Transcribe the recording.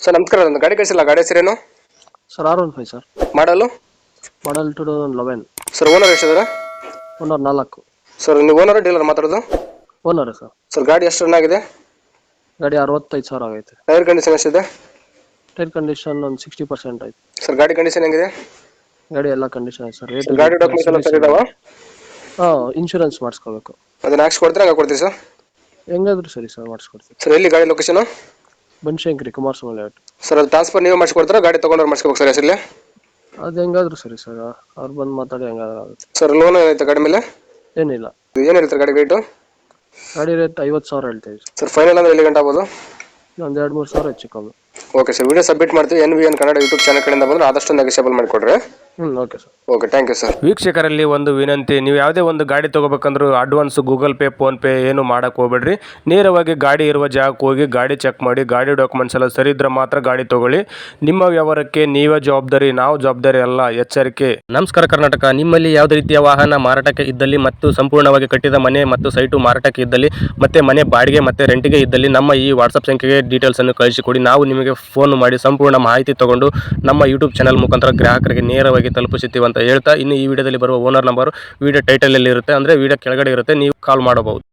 Sir ನಮಸ್ಕಾರ, ಒಂದು ಗಾಡಿ ಕಳಿಸಿಲ್ಲ, ಗಾಡಿ ಹೆಸರೇನು? Sir R15 sir. ಮಾಡಲು ಮಾಡಲ್ 2011. ಸರ್ ಓನರ್ ಎಷ್ಟಿದ್ದಾರೆ? ಓನರ್ 4. ಸರ್ ನೀವು ಓನರ್ ಡೀಲರ್ ಮಾತಾಡೋದು? Owner sir. ಸರ್ ಗಾಡಿ ಎಷ್ಟು ರನ್ ಆಗಿದೆ? ಗಾಡಿ 65,000 ಆಗೈತೆ. ಟೈರ್ ಕಂಡೀಷನ್ ಎಷ್ಟಿದೆ? ಟೈರ್ ಕಂಡೀಷನ್ ಒಂದು 60% ಐತೆ. ಸರ್ ಗಾಡಿ ಕಂಡೀಷನ್ ಹೆಂಗಿದೆ? ಗಾಡಿ ಎಲ್ಲ ಕಂಡೀಷನ್ ಐತೆ ಸರ್. ಸರ್ ಗಾಡಿ ಡಾಕ್ಯುಮೆಂಟ್ಸ್ ಎಲ್ಲ ಸರಿ ಇದಾವ? ಇನ್ಶೂರೆನ್ಸ್ ಮಾಡಿಸ್ಕೋಬೇಕು. ಅದನ್ನ ಹಾಕ್ಸಿ ಕೊಡ್ತೀರಾ, ಹಂಗೆ ಕೊಡ್ತೀವಿ ಸರ್? ಹೆಂಗಾದ್ರೂ ಸರಿ ಸರ್, ಮಾಡಿಸ್ಕೊಡ್ತೀವಿ. ಸರ್ ಎಲ್ಲಿ ಗಾಡಿ location? Banashankari, Kumaraswamy layout. Sir ಅದು ಟ್ರಾನ್ಸ್ಫರ್ ನೀವು ಮಾಡಿಸ್ಕೊಡ್ತೀರಾ, ಗಾಡಿ ತೊಗೊಂಡ್ರೆ ಮಾಡಿಸ್ಕೋಬೇಕು ಸರ್ ಹೆಸರಲ್ಲಿ? ಅದು ಹೆಂಗಾದ್ರೂ ಸರಿ ಸರ್, ಅವ್ರು ಬಂದು ಮಾತಾಡಿ ಹೆಂಗಾದ್ರೂ ಆಗುತ್ತೆ. ಸರ್ ಲೋನ್ ಏನೈತೆ ಗಾಡಿ ಮೇಲೆ? ಏನಿಲ್ಲ. ಏನು ಹೇಳ್ತಾರೆ ಗಾಡಿ ರೇಟು? ಗಾಡಿ ರೇಟ್ 50,000 ಹೇಳ್ತೀವಿ ಸರ್. ಫೈನಲ್ ಅಂದ್ರೆ ಎಲ್ಲಿ ಗಂಟೆ ಆಗ್ಬೋದು? ಒಂದು 2-3 ಸಾವಿರ ಹೆಚ್ಚು ಕಮ್ಮಿ. ಓಕೆ ಸರ್, ವಿಡಿಯೋ ಸಬ್ಮಿಟ್ ಮಾಡ್ತೀವಿ. NVN ಕನ್ನಡ ಯೂಟ್ಯೂಬ್ ಚಾನಲ್ ಕಡೆಯಿಂದ ಬಂದರೆ ಆದಷ್ಟು ನೆಗೋಷಿಯಬಲ್ ಮಾಡಿಕೊಡ್ರಿ. Okay sir. Okay, thank you sir. ವೀಕ್ಷಕರಲ್ಲಿ ಒಂದು ವಿನಂತಿ, ನೀವು ಯಾವುದೇ ಒಂದು ಗಾಡಿ ತೊಗೋಬೇಕಂದ್ರೂ ಅಡ್ವಾನ್ಸ್ ಗೂಗಲ್ ಪೇ, ಫೋನ್ಪೇ ಏನು ಮಾಡೋಕ್ಕೆ ಹೋಗ್ಬೇಡ್ರಿ. ನೇರವಾಗಿ ಗಾಡಿ ಇರುವ ಜಾಗಕ್ಕೆ ಹೋಗಿ ಗಾಡಿ ಚೆಕ್ ಮಾಡಿ, ಗಾಡಿ ಡಾಕ್ಯುಮೆಂಟ್ಸ್ ಎಲ್ಲ ಸರಿ ಇದ್ರೆ ಮಾತ್ರ ಗಾಡಿ ತೊಗೊಳ್ಳಿ. ನಿಮ್ಮ ವ್ಯವಹಾರಕ್ಕೆ ನೀವೇ ಜವಾಬ್ದಾರಿ, ನಾವು ಜವಾಬ್ದಾರಿ ಅಲ್ಲ, ಎಚ್ಚರಿಕೆ. ನಮಸ್ಕಾರ ಕರ್ನಾಟಕ. ನಿಮ್ಮಲ್ಲಿ ಯಾವುದೇ ರೀತಿಯ ವಾಹನ ಮಾರಾಟಕ್ಕೆ ಇದ್ದಲ್ಲಿ ಮತ್ತು ಸಂಪೂರ್ಣವಾಗಿ ಕಟ್ಟಿದ ಮನೆ ಮತ್ತು ಸೈಟು ಮಾರಾಟಕ್ಕೆ ಇದ್ದಲ್ಲಿ ಮತ್ತು ಮನೆ ಬಾಡಿಗೆ ಮತ್ತು ರೆಂಟಿಗೆ ಇದ್ದಲ್ಲಿ ನಮ್ಮ ಈ ವಾಟ್ಸಪ್ ಸಂಖ್ಯೆಗೆ ಡೀಟೇಲ್ಸನ್ನು ಕಳಿಸಿಕೊಡಿ. ನಾವು ನಿಮಗೆ ಫೋನ್ ಮಾಡಿ ಸಂಪೂರ್ಣ ಮಾಹಿತಿ ತಗೊಂಡು ನಮ್ಮ ಯೂಟ್ಯೂಬ್ ಚಾನಲ್ ಮುಖಾಂತರ ಗ್ರಾಹಕರಿಗೆ ನೇರವಾಗಿ ತಲುಪಿಸುತ್ತೀವಿ ಅಂತ ಹೇಳ್ತಾ, ಇನ್ನು ಈ ವಿಡಿಯೋದಲ್ಲಿ ಬರುವ ಓನರ್ ನಂಬರ್ ವಿಡಿಯೋ ಟೈಟಲಲ್ಲಿ ಇರುತ್ತೆ, ಅಂದರೆ ವಿಡಿಯೋ ಕೆಳಗಡೆ ಇರುತ್ತೆ, ನೀವು ಕಾಲ್ ಮಾಡಬಹುದು.